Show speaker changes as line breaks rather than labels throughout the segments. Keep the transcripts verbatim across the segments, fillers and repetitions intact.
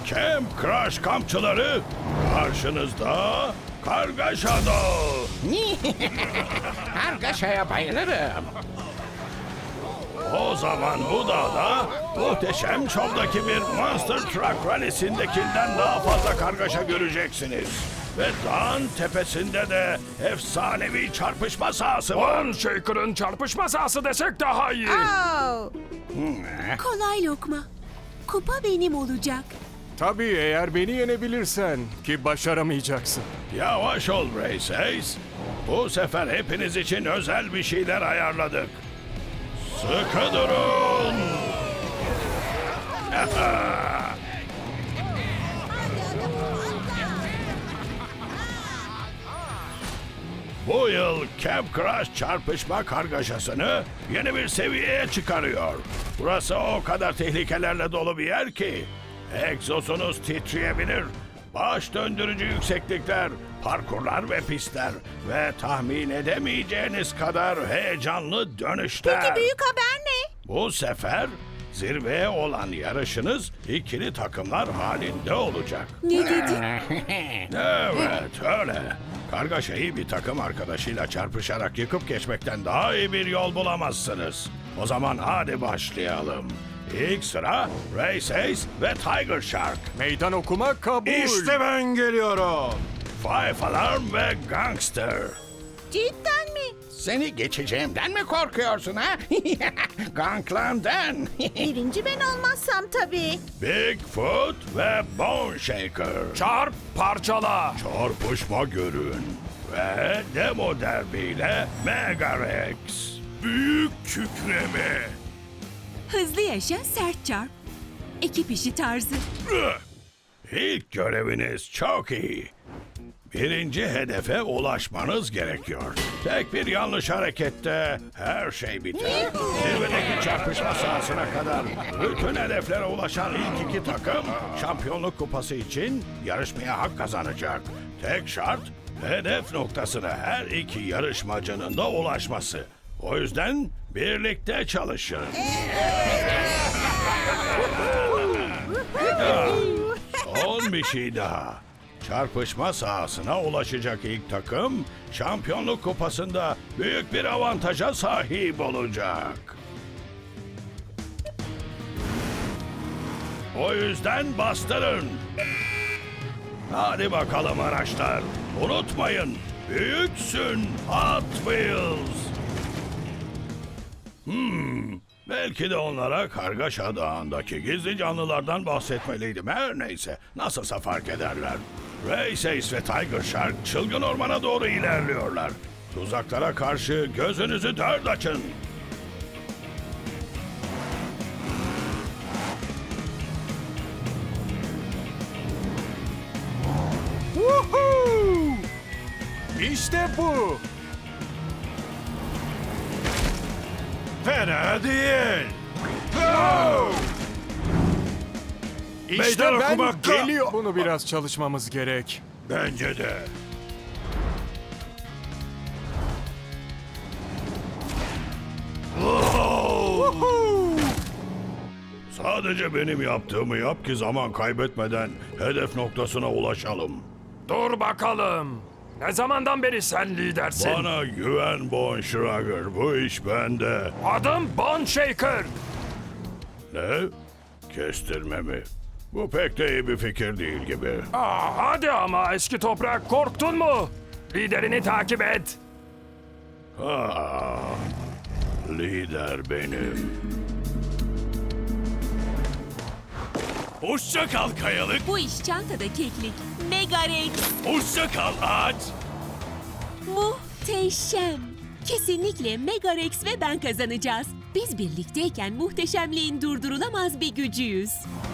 Camp Crush kampçıları karşınızda Kargaşa Dağı.
Kargaşaya bayılırım.
O zaman bu dağda muhteşem şovdaki bir Monster Truck Rally'sindekinden daha fazla kargaşa göreceksiniz. Ve dağın tepesinde de efsanevi çarpışma sahası var.
Bone Shaker'ın çarpışma sahası desek daha iyi.
Oh,
Kolay lokma. Kupa benim olacak.
Tabii eğer beni yenebilirsen ki başaramayacaksın.
Yavaş ol Race Ace. Bu sefer hepiniz için özel bir şeyler ayarladık. Sıkı durun. Bu yıl Camp Crush çarpışma kargaşasını yeni bir seviyeye çıkarıyor. Burası o kadar tehlikelerle dolu bir yer ki egzozunuz titreyebilir. Baş döndürücü yükseklikler, parkurlar ve pistler ve tahmin edemeyeceğiniz kadar heyecanlı dönüşler.
peki büyük haber ne?
Bu sefer zirveye olan yarışınız ikili takımlar halinde olacak.
Ne dedi?
Evet, öyle. Kargaşayı bir takım arkadaşıyla çarpışarak yıkıp geçmekten daha iyi bir yol bulamazsınız. O zaman hadi başlayalım. İlk sıra Race Ace ve Tiger Shark.
Meydan okuma kabul.
İşte ben geliyorum. Five Alarm ve Gangster.
Cidden mi?
Seni geçeceğimden mi korkuyorsun ha? Ganglan'dan.
Birinci ben olmazsam tabii.
Bigfoot ve Bone Shaker.
Çarp parçala.
Çarpışma görün. Ve demo derbiyle Mega Rex. Büyük kükreme.
Hızlı yaşa, sert çarp. Ekip işi tarzı.
İlk göreviniz çok iyi. Birinci hedefe ulaşmanız gerekiyor. Tek bir yanlış harekette her şey biter. Zirvedeki çarpışma sahasına kadar bütün hedeflere ulaşan ilk iki takım şampiyonluk kupası için yarışmaya hak kazanacak. Tek şart hedef noktasına her iki yarışmacının da ulaşması. O yüzden birlikte çalışın. Ya, son bir şey daha. Çarpışma sahasına ulaşacak ilk takım şampiyonluk kupasında büyük bir avantaja sahip olacak. O yüzden bastırın. Hadi bakalım araçlar. Unutmayın, büyüksün Hot Wheels. Hmm, belki de onlara Kargaşa Dağı'ndaki gizli canlılardan bahsetmeliydim. Her neyse, nasılsa fark ederler. Race Ace ve Tiger Shark çılgın ormana doğru ilerliyorlar. Tuzaklara karşı gözünüzü dört açın.
Woohoo! İşte bu.
Fena değil.
İşte
Meydan
ben
okumak
geliyor. Bunu biraz çalışmamız gerek.
Bence de. Sadece benim yaptığımı yap ki zaman kaybetmeden hedef noktasına ulaşalım.
Dur bakalım. Ne zamandan beri sen lidersin?
Bana güven Bon Schrager, bu iş bende.
Adım Bone Shaker.
Ne? Kestirme mi? Bu pek de iyi bir fikir değil gibi.
Aa, hadi ama eski toprak, korktun mu? Liderini takip et.
Ah, lider benim. Hoşça kal kayalık,
Bu iş çantada keklik. Mega Rex.
hoşça kal ağaç.
Muhteşem. Kesinlikle Mega Rex ve ben kazanacağız. Biz birlikteyken muhteşemliğin durdurulamaz bir gücüyüz.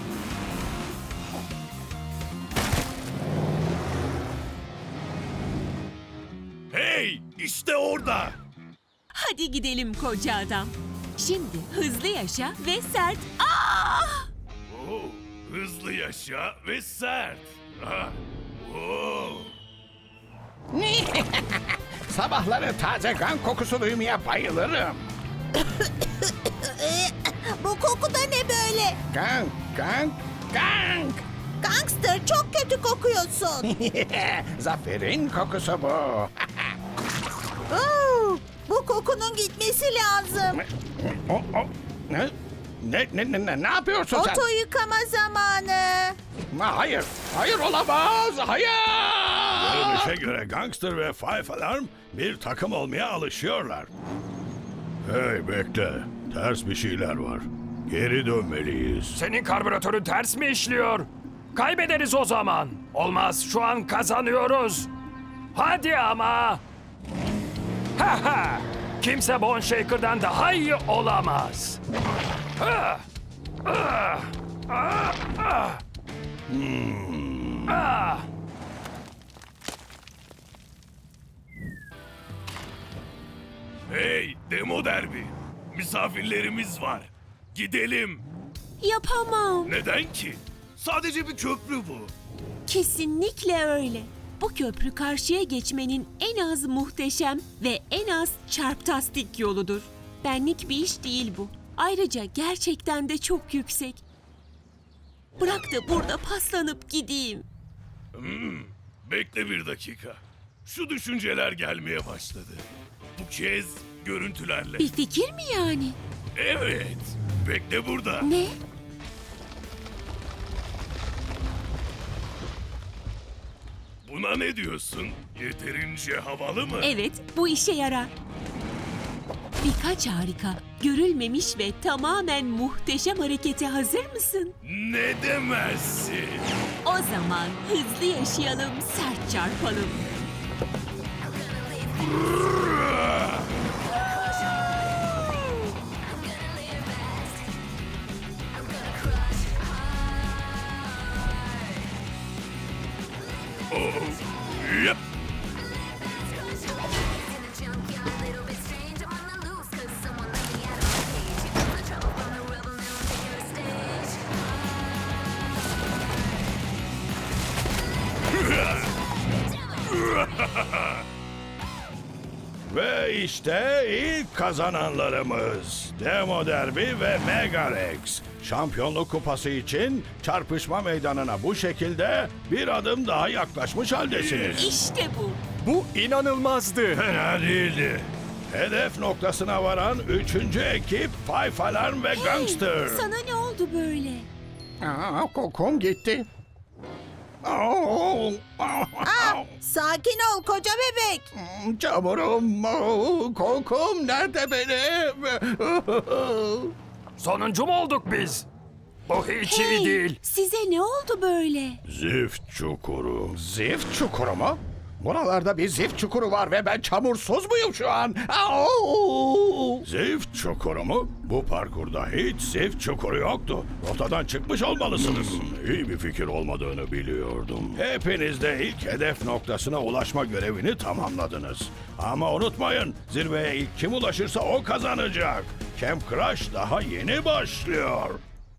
Hey, işte orada.
Hadi gidelim koca adam. Şimdi hızlı yaşa ve sert. Ah!
Oo, hızlı yaşa ve sert. Ah, oo.
Sabahları taze kan kokusu duymaya bayılırım.
Bu koku da ne böyle?
Gang, gang, gang.
Gangster çok kötü kokuyorsun.
Zaferin kokusu bu.
Oo, bu kokunun gitmesi lazım.
O, o, ne? Ne, ne, ne, ne, ne yapıyorsun sen?
Oto yıkama zamanı.
Ha, hayır, hayır olamaz, hayır.
Görünüşe göre Gangster ve Five Alarm bir takım olmaya alışıyorlar. Hey bekle, ters bir şeyler var. Geri dönmeliyiz.
Senin karbüratörün ters mi işliyor? Kaybederiz o zaman. Olmaz, şu an kazanıyoruz. Hadi ama. Ha ha. Kimse Bone Shaker'dan daha iyi olamaz. Ah! Ah! Ah! Ah!
Hmm.
Ah!
Hey Demo Derbi. Misafirlerimiz var. Gidelim.
Yapamam.
Neden ki? Sadece bir köprü bu.
Kesinlikle öyle. Bu köprü karşıya geçmenin en az muhteşem ve en az çarptastik yoludur. Benlik bir iş değil bu. Ayrıca gerçekten de çok yüksek. Bırak da burada paslanıp gideyim.
Bekle bir dakika. Şu düşünceler gelmeye başladı. Bu kez görüntülerle.
Bir fikir mi yani?
Evet. Bekle burada.
Ne?
Buna ne diyorsun? Yeterince havalı mı?
Evet, bu işe yarar. Birkaç harika, görülmemiş ve tamamen muhteşem harekete hazır mısın?
Ne demezsin?
O zaman hızlı yaşayalım, sert çarpalım.
Yap.
Ve işte ilk kazananlarımız. Demo Derby ve Megarex. Şampiyonluk kupası için çarpışma meydanına bu şekilde bir adım daha yaklaşmış haldesiniz.
İşte bu.
Bu inanılmazdı.
Fena değildi. Hedef noktasına varan üçüncü ekip Five Alarm ve Gangster.
Sana ne oldu böyle?
Aa, kokum gitti. Oo,
Aa, sakin ol koca bebek.
çamurum, oo, kokum nerede benim?
Sonuncu mu olduk biz? Bu hiç iyi
Hey,
değil.
size ne oldu böyle?
Zift çukuru.
Zift çukuru mu? Buralarda bir zift çukuru var ve ben çamursuz muyum şu an? Au!
Zift çukuru mu? Bu parkurda hiç zift çukuru yoktu. Rotadan çıkmış olmalısınız. İyi bir fikir olmadığını biliyordum. Hepiniz de ilk hedef noktasına ulaşma görevini tamamladınız. Ama unutmayın, zirveye ilk kim ulaşırsa o kazanacak. Camp Crush daha yeni başlıyor.